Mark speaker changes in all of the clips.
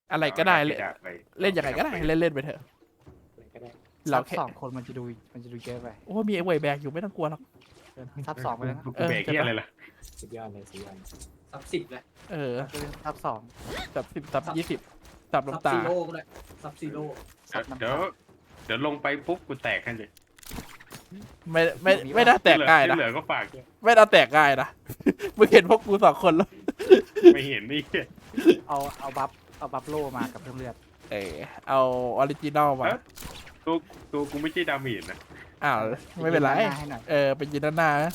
Speaker 1: อะไรก็ได้
Speaker 2: เอา
Speaker 1: เล่น
Speaker 2: ดาบไป
Speaker 1: เล่นยังไงก็ได้เล่นไปเถอะ
Speaker 3: ก็ได้
Speaker 1: เรา
Speaker 4: ซับ
Speaker 1: แค่
Speaker 4: สองคนมันจะดูเยอะไป
Speaker 1: โอ้มีไอ้เวยแบกอยู่ไม่ต้องกลัวหรอก
Speaker 4: ซับสองไปแล้วนะ
Speaker 2: กูเบรกที่อะไรล่ะ
Speaker 3: สุดยอดเลยสุดยอด
Speaker 5: ซับสิบเลย
Speaker 1: เออ
Speaker 4: ซับสอง
Speaker 1: สับ10สับ20สับ
Speaker 5: ซับ
Speaker 1: น้ำตา
Speaker 5: ซีโร่ก็ได้ซับซีโร่
Speaker 4: ซับน้ำ
Speaker 2: เดี๋ยว
Speaker 4: ตา
Speaker 2: เดี๋ยวลงไปปุ๊บกูแตกให้เลย
Speaker 1: ไม่น่าแตกง่ายนะ
Speaker 2: ที่เหลือก็ฝากด้วย
Speaker 1: ไม่น่าแตกง่ายนะ มึงเห็นพวกกู2 คนแล้ว
Speaker 2: ไม่เห็นนี่
Speaker 4: เอาบัฟโลมากับเพิ่มเลือด
Speaker 1: เออเอาออริจินอลมา
Speaker 2: ตัวกูไม่ใช่ดาเมจนะ
Speaker 1: อ้าวไม่เป็นไร
Speaker 4: ยืหาให้หน่อย
Speaker 1: เออเป็นยินด้านหน้านะ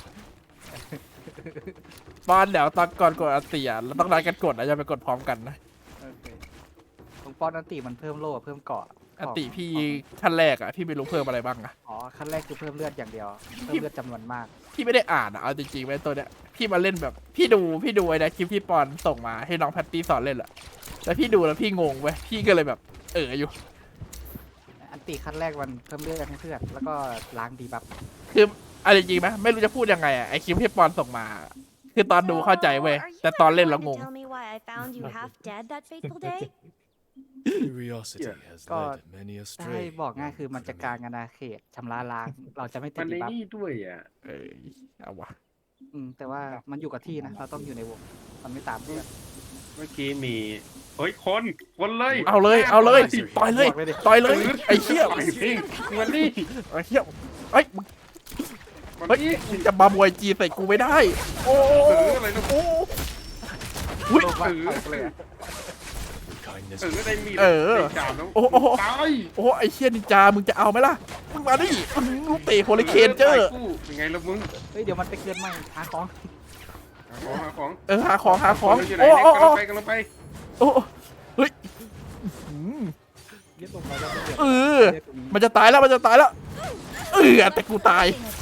Speaker 1: ตอนเดี๋ยวตอนก่อนกดอันติเราต้องนัดกันกดนะอย่าไปกดพร้อมกันนะ
Speaker 4: โอเคตรงป้อนอันติมันเพิ่มโล่เพิ่มเกาะ
Speaker 1: อันติพี่ขั้นแรกอ่ะพี่ไม่รู้เพิ่มอะไรบ้างอ่ะ
Speaker 4: อ๋อขั้นแรกคือเพิ่มเลือดอย่างเดียวเพิ่มเลือดจำนวนมาก
Speaker 1: พี่ไม่ได้อ่านอ่ะเอาจริงๆไว้ตัวเนี้ยพี่มาเล่นแบบพี่ดูไอ้นะคลิปที่ปอนส่งมาให้น้องแพตตี้สอนเล่นแหละแล้วพี่ดูแล้วพี่งงเว้ยพี่ก็เลยแบบอยู่
Speaker 4: อันติขั้นแรกมันเพิ่มเลือดให้เพื่อนแล้วก็ล้างดีบัฟ
Speaker 1: คืออะไรจริงไหมไม่รู้จะพูดยังไงอ่ะไอคลิปที่ปอนส่งมา คือตอนดูเข้าใจเว้ยแต่ตอนเล่นแล้วงง
Speaker 6: Tell me why I found you half dead that fateful day?
Speaker 7: Curiosity has
Speaker 4: God.
Speaker 7: led many
Speaker 4: ถ้าให้
Speaker 7: astray.
Speaker 4: บอกง่ายคือมันจะกลางอาณาเขตชำระล้าง เราจะไม่ติ
Speaker 2: มั
Speaker 4: ด
Speaker 2: นใน
Speaker 4: ดีบัฟ
Speaker 2: นี่ด้วยอ่ะ
Speaker 1: เอาวะ
Speaker 4: แต่ว่ามันอยู่กับที่นะ เราต้องอยู่ในวง มันไม่ตามเพื่อน
Speaker 2: เมื่อกี้มีเฮ้ยคนเลย
Speaker 1: เอาเลยต่อยเลย
Speaker 4: บอกเลยดิ
Speaker 1: ต่อยเลยไอ้เหี้ย
Speaker 2: ไปสิมันนี่
Speaker 1: ไอ้เหี้ยเฮ้ยมึง
Speaker 2: มัน
Speaker 1: เฮ้ย
Speaker 2: นี่
Speaker 1: มึงจะมามวยจีใส่กูไม่ได้ โอ้
Speaker 2: อะไรนะ
Speaker 1: โอ้อุ้ย
Speaker 4: โลกว่าเอาเลยอะ
Speaker 7: Kindness
Speaker 2: ได้มี
Speaker 1: เออ
Speaker 2: ได้จามแล้ว
Speaker 1: โอ้โห
Speaker 2: ตาย
Speaker 1: โอ้ไอ้เชี่ยนินจามึงจะเอาไหมล่ะมึงมาดิลูกเตะโฮลิเคนเจอร์
Speaker 2: ตายคู่ยังไงล่ะมึง
Speaker 4: เฮ้ย เดี๋ยวมันไปเกินใหม่หาของ
Speaker 2: หาของ
Speaker 1: หาของ
Speaker 2: อยู่ไหน
Speaker 1: โอ้
Speaker 2: เนี่ยกำลังไป
Speaker 1: โอ้เฮ้ยอืม
Speaker 4: เรียกลงมาแล้วก็เดือด
Speaker 1: เออ
Speaker 4: เรียกตรงนี้
Speaker 1: มันจะตายแล้วแต่กูตาย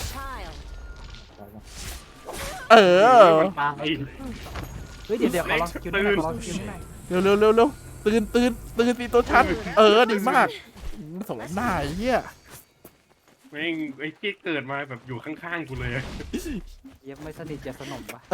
Speaker 6: A child.
Speaker 1: เออ
Speaker 2: มันตาย
Speaker 4: เฮ้ย เดี๋ยวขอลองสกิลหน่อยขอลองสกิลหน่อย
Speaker 1: เร็วตื่นสิตัวชันดีมากสมหน้าไอ้เหี้ย
Speaker 2: แม่งไอ้ที่เกิดมาแบบอยู่ข้างๆกูเลยอะ
Speaker 4: เยังไม่สนิทจะสนมปะ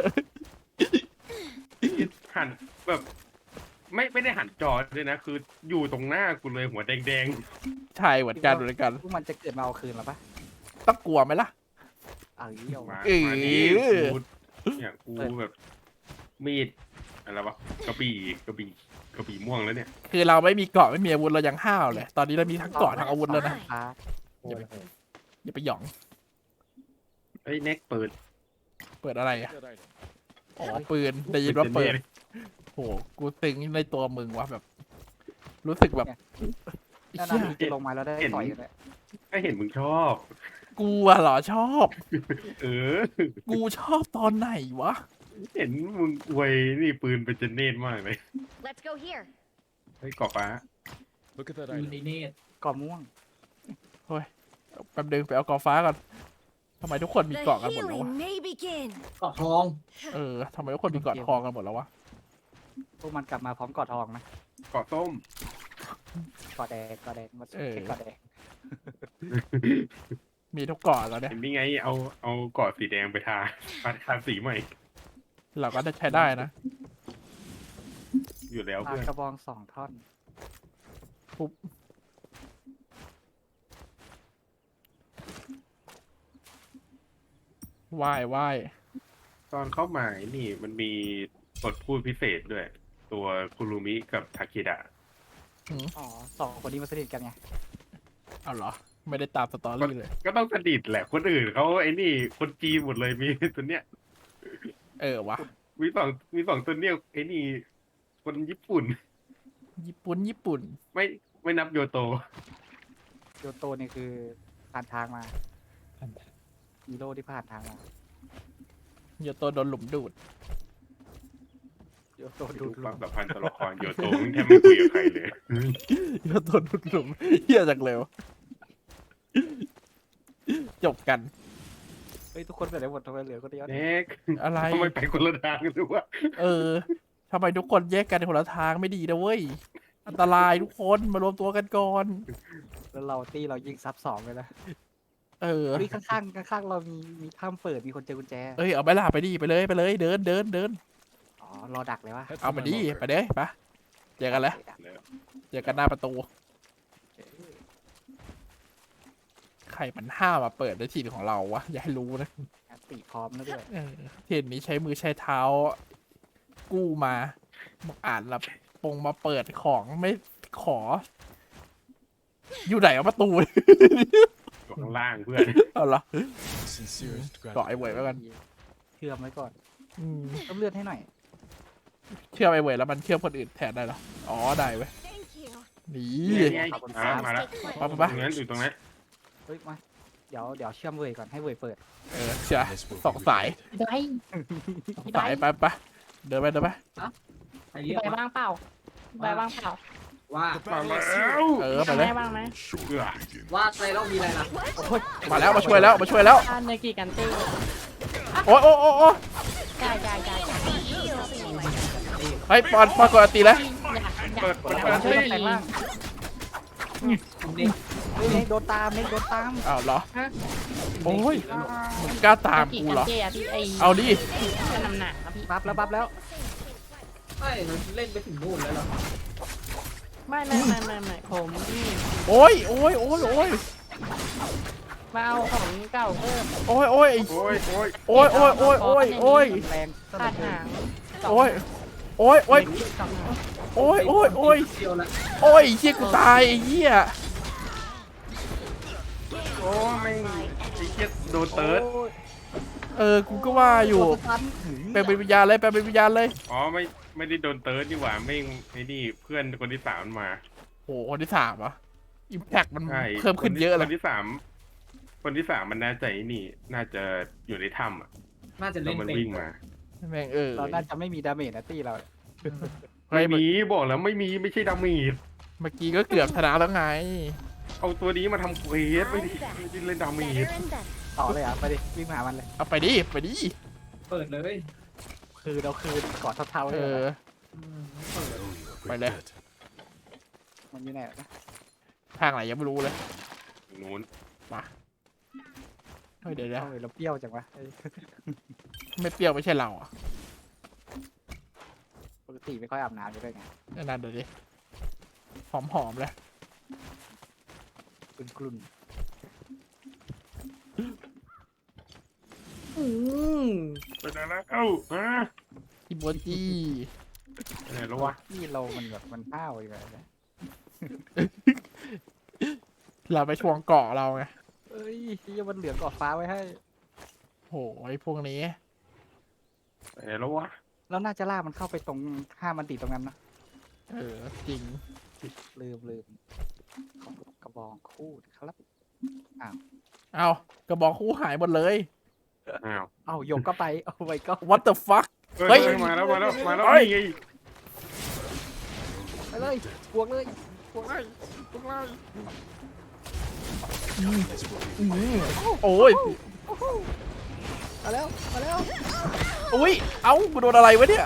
Speaker 2: หันแบบไม่ได้หันจอด้วยนะ คืออยู่ตรงหน้ากูเลยหัวแดง
Speaker 1: ใช่เหมือนกัน
Speaker 4: พวกมันจะเกิดมาเอาคืนหรอปะ
Speaker 1: ต้องกลัวไหมล่ะ
Speaker 4: เอาเยี่ยว
Speaker 2: ๆมา
Speaker 1: เออ
Speaker 2: มานี่กูเนี่ยกูแบบมีดอะไรวะกระบี่ม่วงแล้วเนี่ย
Speaker 1: คือเราไม่มีเกราะไม่มีอาวุธเรายังห้าวเลย ตอนนี้เรามีทั้งเกราะทั้งอาวุธแล้วนะ
Speaker 4: ฟ้า
Speaker 3: โอ้ย
Speaker 1: อย่าไปหยอง
Speaker 2: เอ้ยแน็กเปิด
Speaker 1: เปิดอะไรอ่ะอ๋อปืนได้ยินว่าเปิดโหกูตึงในตัวมึงวะแบบ รู้สึกแบบ
Speaker 4: ด้านห
Speaker 1: เหี้
Speaker 4: น้าย มีจะลงมาแล้วได้ต่อยกันเลย
Speaker 2: ก็เห็นมึงชอบ
Speaker 1: กูอะเหรอชอบ
Speaker 2: เออ
Speaker 1: กูชอบตอนไหนวะ
Speaker 2: เห็นมึงอวยนี่ปืนเป็นเจเนตมากเลย
Speaker 6: Let's go here.
Speaker 2: เฮ้ยกรอบฟ้า
Speaker 7: Look at that
Speaker 5: ยู
Speaker 7: item.
Speaker 5: นิเนต
Speaker 4: ก่อม่วง
Speaker 1: แป๊บนึงไปเอากอฟ้าก่อนทำไมทุกคนมี
Speaker 6: The
Speaker 1: เกราะกันหมดแล้ววะ
Speaker 6: healing may begin.
Speaker 5: เกาะทอง
Speaker 1: ทำไมทุกคนมีเกราะทองกันหมดแล้ววะ
Speaker 4: พวกมันกลับมาพร้อมกอดทองนะ
Speaker 2: เกาะส้ม
Speaker 4: กอดแดงมาแค่กอดแดง
Speaker 1: มีทุกเกราะแล้วเนี่ย
Speaker 2: เห็นนี่ไงเอาเกาะสีแดงไปทาสีใหม่
Speaker 1: เราก็จะใช้ได้นะ
Speaker 2: อยู่แล้ว
Speaker 4: ปา
Speaker 2: เพื่อน
Speaker 4: กระบอง2 ท่อน
Speaker 1: ปุ๊บว่าย
Speaker 2: ตอนเข้ามาไอ้นี่มันมีบทพูดพิเศษด้วย ตัวคุรุมิกับทาเคดะ
Speaker 4: อ๋อ2 คนนี้มาสนิทกันไง
Speaker 1: เอาเหรอ ไม่ได้ตามสตอรี่เลย
Speaker 2: ก็ต้องสนิทแหละคนอื่นเขาไอ้นี่คนจีนหมดเลยมีตัวเนี้ย
Speaker 1: วะ
Speaker 2: มีสองตัวเนี้ยไอ้นี่คนญี่ปุ่น
Speaker 1: ญี่ปุ่น
Speaker 2: ไม่นับโยโต
Speaker 4: โยโตนี่คือผ่านทางมาฮีโร่ที่ผ่านทางมา
Speaker 1: โยโตโดนหลุมดูด
Speaker 4: โยโต
Speaker 2: ดู
Speaker 4: ดูด
Speaker 2: ค
Speaker 4: ล
Speaker 2: วาม
Speaker 4: ง
Speaker 2: สัมพันธ์ตัวละครโยโตมึงแทบไม่คุยกับใครเลย
Speaker 1: โยโตดูดหลุมเฮียจากเร็ว จบกัน
Speaker 4: เฮ้ยทุกคนไปไหนหมดทำไมเหลือคนเดียว
Speaker 2: เน็ก
Speaker 1: อะไร
Speaker 2: ทำไมไปคนละทางกันดูวะ
Speaker 1: ทำไมทุกคนแยกกันคนละทางไม่ดีนะเว้ย อันตรายทุกคนมารวมตัวกันก่อน
Speaker 4: แล้วเราตีเรายิงซับ2เลยนะ
Speaker 1: เออ
Speaker 4: เฮ้ยข้างๆเรามีถ้ำเปิดมีคนเจอกุญแจ
Speaker 1: เอาไปล่ะไปดิไปเลยเดิน
Speaker 4: อ๋อรอดักเลยวะ
Speaker 7: Head
Speaker 1: เอา
Speaker 7: for
Speaker 1: มา
Speaker 7: my
Speaker 1: ดิ
Speaker 7: locker.
Speaker 1: ไปเด้ไปเจอกันแล้ว
Speaker 2: แล้ว
Speaker 1: เจอกันหน้าประตูใครมันห้ามมาเปิดในถิ่นของเราวะอย่าให้รู้นะ
Speaker 4: ตีพร้อมแล้วด้วย
Speaker 1: ถิ่นนี้ใช้มือใช้เท้า กู้มาบอกอ่านละปงมาเปิดของไม่ขอ อยู่ไหนเอาประตู
Speaker 2: อยู่ข้างล่างเพื่อน
Speaker 1: เอาเหรอ
Speaker 7: Sincerest
Speaker 1: เกาะไอ้เวยไว้กัน
Speaker 4: เชื่อมไว้ก่อน
Speaker 1: อืม
Speaker 4: เพิ่มเลือดให้หน่อย
Speaker 1: เชื่อมไอ้เวยแล้วมันเชื่อมคนอื่นแทนได้เหรออ๋อได้เว้ย
Speaker 6: Thank you.
Speaker 1: นี่
Speaker 2: นี่ไงมาแล้ว
Speaker 1: ปั๊บ
Speaker 2: ต
Speaker 1: ปั๊บ
Speaker 2: รงนั้นอยู่ตรงนั้น
Speaker 4: เฮ้ยมาเดี๋ยวเชื่อมเวยก่อนให้เวยเปิด
Speaker 1: เชื่อ
Speaker 7: This will
Speaker 1: สอง
Speaker 7: be
Speaker 1: สาย
Speaker 7: repaid.
Speaker 8: ได้
Speaker 1: สองสายไปไปเดินไปเดินไป
Speaker 5: ใครเรียก
Speaker 8: ไป
Speaker 5: ว่า
Speaker 8: บ้างเปล่าไปบ้างเปล่า
Speaker 5: ว่า
Speaker 2: มาแล้ว
Speaker 1: ไป
Speaker 8: ทำ
Speaker 1: เลย
Speaker 8: ได้บ้างไหม
Speaker 2: เบื่อ
Speaker 5: ว่าใครต้องมีอะไรล่ะ
Speaker 1: มาแล้วมาช่วยแล้วมาช่วยแล้ว
Speaker 8: อ่าเนกิกันตี้
Speaker 1: โอ้ยโอ้ยโอ้ยโอ้ย
Speaker 8: จ่ายจ่ายจ่ายจ่าย
Speaker 1: เฮ้ยปอนกดอันตีแล้ว
Speaker 2: เปิด
Speaker 4: เดี๋ยว
Speaker 2: เปิ
Speaker 4: ช่วย
Speaker 2: ด
Speaker 4: กันแต่งร่าง
Speaker 5: นี่
Speaker 4: เฮ้ยเน็กโดนตามเน็กโดนตาม
Speaker 1: อ้าวเหรอโอ้ยมึงกล้าตามกูเหรอ
Speaker 8: เกีกันตี้อะพี่ไอ
Speaker 1: เอาดิ
Speaker 8: ก็นำหนักนะพี่
Speaker 4: บัฟแล้วบัฟแล้ว
Speaker 5: ไม่มันเล่นไปถึงนู่นแล้วเหรอ
Speaker 8: ไม่ผมนี่
Speaker 1: โอ้ยโอ้ยโอ้ยโอ้ย
Speaker 8: มาเอาของเก่าเพิ่ม
Speaker 1: โอ้ยโอ้ย
Speaker 2: โอ้ยโอ้ย
Speaker 1: โอ้ยโอ้ยโอ้ยโอ้ยโอ้ย
Speaker 4: แรง
Speaker 8: ขาดหาง
Speaker 1: โอ้ยโอ้ยโอ้ย
Speaker 8: สองหาง
Speaker 1: โอ้ยโอ้ยโอ้ย
Speaker 5: เดียวละ
Speaker 1: โอ้ยเหี้ยกูตายไอ้เหี้ย
Speaker 2: โอ้ยไอ้เหี้ยโดนเติร์ด
Speaker 1: กูก็ว่าอยู่
Speaker 4: ตัวตัน
Speaker 1: แปลงเป็นวิญญาณเลยแปลงเป็นวิญญาณเลย
Speaker 2: อ๋อไม่ได้โดนเติร์ดนี่หว่าไม่ไอ้นี่เพื่อนคนที่สามมันมา
Speaker 1: โหคนที่สามอ่ะอิมแพคมัน
Speaker 2: ใช่
Speaker 1: เพิ่มขึ้นเยอะเล
Speaker 2: ค
Speaker 1: ย
Speaker 2: นที่สามมันน่าจะไอ้นี่น่าจะอยู่ในถ้ำอ่ะ
Speaker 5: น่าจะ
Speaker 2: แล้
Speaker 5: เล่
Speaker 2: วน มัน
Speaker 5: เป็น
Speaker 2: วิ่งมา
Speaker 1: แม่ง
Speaker 4: เราน่าจะไม่มีดาเมจนะตี้เรา
Speaker 1: เฮ้
Speaker 2: ไม่
Speaker 1: ย
Speaker 2: มีบอกแล้วไม่มีไม่ใช่ดาเมจ
Speaker 1: เมื่อกี้ก็เกือบชนะแล้วไง
Speaker 2: เอาตัวนี้มาทำเควสไม่ได้เล่นดาเม
Speaker 6: Better
Speaker 2: จ
Speaker 6: and better.
Speaker 4: ต่อเลยอ่ะไปดิวิ่งมาหามันเลย
Speaker 1: เอาไปดิไปดิ
Speaker 5: เปิดเลย
Speaker 4: คือเราคืนกอดเท่าๆ
Speaker 1: เอ
Speaker 4: เลย
Speaker 1: อ
Speaker 5: เปิด
Speaker 7: Oh, you are
Speaker 1: Phải
Speaker 7: great
Speaker 1: đây.
Speaker 7: good.
Speaker 4: มันอยู่ไหนนะ
Speaker 1: ทางไหนยังไม่รู้เลย
Speaker 2: นู้น
Speaker 1: เฮ้ยเดี๋ยว
Speaker 4: เอ้ยเราเปรี้ยวจังวะเอ้ย
Speaker 1: ไม่เปรี้ยวไม่ใช่เราอ่ะ
Speaker 4: ปกติไม่ค่อยอาบน้ำอยู่ด้วยไง
Speaker 1: นั่นเดี๋ยวดิหอมๆเลย
Speaker 4: กลุ่น
Speaker 2: ไปไหนแล้วเอ้ามา
Speaker 1: ฮิโบจิ
Speaker 2: ไปไหนแล้ววะ
Speaker 4: ๆที่เรามันแบบมันห้าวอยู่เลยนะ
Speaker 1: เราไปทวงเกาะเราไง
Speaker 4: เอ้ยที่มันเหลืองกอดฟ้าไว้ให้
Speaker 1: โหไอ้พวกนี้
Speaker 2: ไปไหนแล้ววะ
Speaker 4: แล้วน่าจะล่ากมันเข้าไปตรงห้ามมันติดตรงนั้นนะ
Speaker 1: จริง
Speaker 4: ลืมกระบองคู่ครับ
Speaker 1: เอากระบอกคู่หายหมดเลย
Speaker 2: อ้าว
Speaker 4: เอ้าโยกก็ไปโอ้ยก็
Speaker 1: what the fuck เฮ้
Speaker 2: เฮ้
Speaker 1: ย
Speaker 2: ยมาแล้ว
Speaker 1: เฮ้ย
Speaker 2: นี่ไง
Speaker 4: ไปเลยบวกเลย
Speaker 7: This will be
Speaker 1: โอ้ย
Speaker 4: มาแล้ว
Speaker 1: อุ้ยเอ้ากูโดนอะไรวะเนี่ย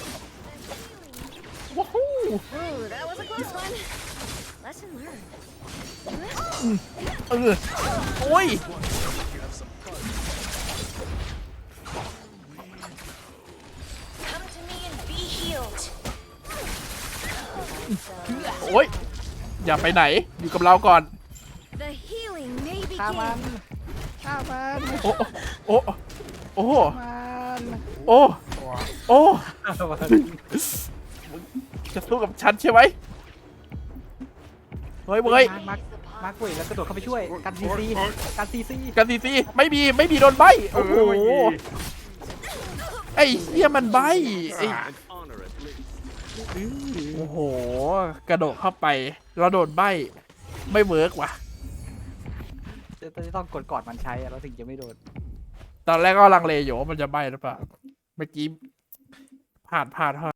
Speaker 1: ว้าว
Speaker 6: Ooh, that was a close one. Lesson learned.
Speaker 1: โอ้ย
Speaker 6: Come to me and be healed.
Speaker 1: โอ้ยอย่าไปไหนอยู่กับเราก่อน
Speaker 6: The healing may
Speaker 4: ฆ่ามัน
Speaker 6: begin.
Speaker 4: ฆ่ามัน
Speaker 1: โอ้โอ้โอ้
Speaker 4: มัน
Speaker 1: โอ้โอ้
Speaker 4: ฆ่ามัน
Speaker 1: จะสู้กับฉันใช่ไหมเฮ้ยเว้ย
Speaker 4: มาร์คเว้ยแล้วกระโดดเข้าไปช่วยกันซีซีกันซีซี
Speaker 1: กันซีไม่มีโดนใบโอ้โหไอ้เหี้ยมันใบไอ้โอ้โหกระโดดเข้าไปเราโดนใบไม่เวิร์กว่ะ
Speaker 4: จะต้องกดมันใช้อะเราถึงจะไม่โดน
Speaker 1: ตอนแรกก็ลังเลอยู่ว่ามันจะใบหรือเปล่าเมื่อกี้ผ่าน